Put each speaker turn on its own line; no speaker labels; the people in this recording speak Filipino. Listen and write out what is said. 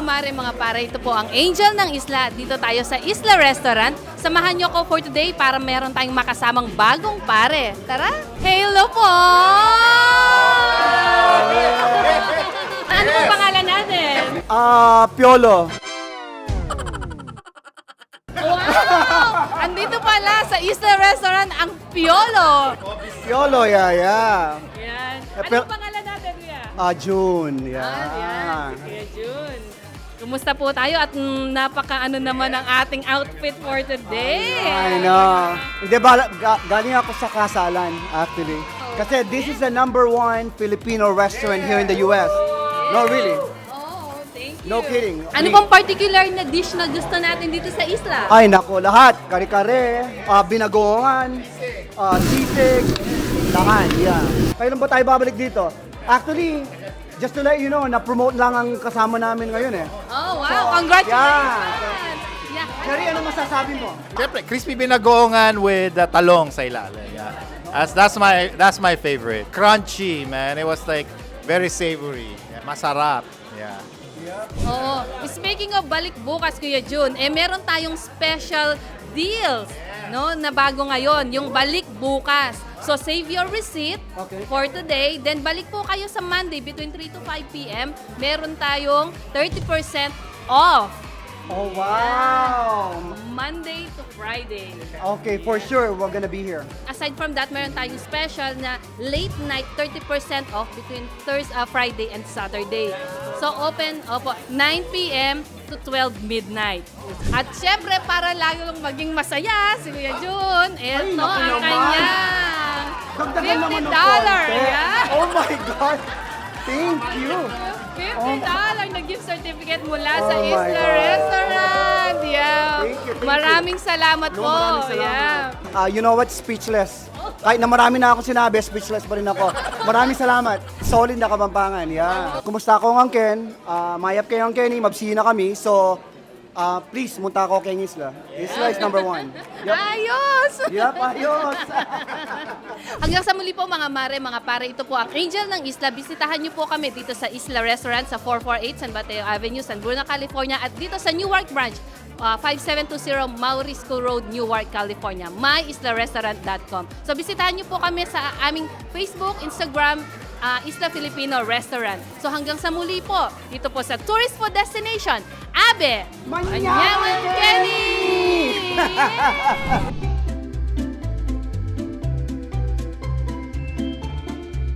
mare, mga pare, ito po ang Angel ng Isla. Dito tayo sa Isla Restaurant. Samahan niyo ko for today para meron tayong makasamang bagong pare. Tara! Hello po! Ano po pangalan natin?
Piolo.
Wow! Andito pala sa Isla Restaurant ang Piolo.
Piolo, yeah.
Yan.
pero-
Ano pangalan natin, Kuya?
June,
Yan,
yeah.
si Kuya Jun. Kumusta po tayo at napaka-ano naman ang ating outfit for today.
I know. Hindi ba, galing ako sa kasalan, actually. Kasi this is the #1 Filipino restaurant here in the US. No, really.
Oh, thank you.
No kidding.
Ano bang particular na dish na gusto natin dito sa isla?
Ay, nako, lahat. Kare-kare, binagoongan, sisig, lahat, yeah. Kailan ba tayo babalik dito? Actually, just to let you know, na-promote lang ang kasama namin ngayon eh.
Oh, wow. Congratulations. Yeah.
Sherry, ano masasabi mo?
Siyempre, crispy binagoongan with talong sa ilalim. Yeah. That's my favorite. Crunchy, man. It was like very savory. Yeah. Masarap. Yeah.
Oo. Speaking of balik bukas, Kuya Jun, meron tayong special deals, no, na bago ngayon, yung balik bukas. So save your receipt for today, then balik po kayo sa Monday between 3 to 5 p.m. Meron tayong 30% off.
Oh, wow!
Monday to Friday.
Okay, for sure, we're gonna be here.
Aside from that, meron tayong special na late night 30% off between Friday and Saturday. So open 9 p.m. to 12 midnight. At syempre, para lalo lang maging masaya, si Kuya Jun, eto
naku
ang
naman.
kanyang
Dagdagan naman ng
$50.
konti.
Yeah.
Oh my God! Thank you!
$50 na gift certificate mula
Oh
sa
my
Isla
God.
Restaurant. Yeah.
Thank you.
Maraming salamat
No,
po.
maraming salamat.
Yeah.
You know what? Speechless. Kahit na marami na ako sinabi, speechless pa rin ako. Maraming salamat. Solid na Kapampangan. Yeah. Kumusta ako ang Ken? Mayap kayo ang Kenny. Mabsina kami. So, please, munta ako kay Isla. Isla is #1. Yep.
Ayos!
Yep, ayos.
Hanggang sa muli po mga mare, mga pare, ito po ang Angel ng Isla. Bisitahan niyo po kami dito sa Isla Restaurant sa 448 San Mateo Avenue, San Bruno, California at dito sa Newark Branch, 5720 Maurisco Road, Newark, California. myislarestaurant.com. So bisitahan niyo po kami sa aming Facebook, Instagram, Isla Filipino Restaurant. So hanggang sa muli po, dito po sa Tourist Food Destination, Abe!
Manyaman
Kenny!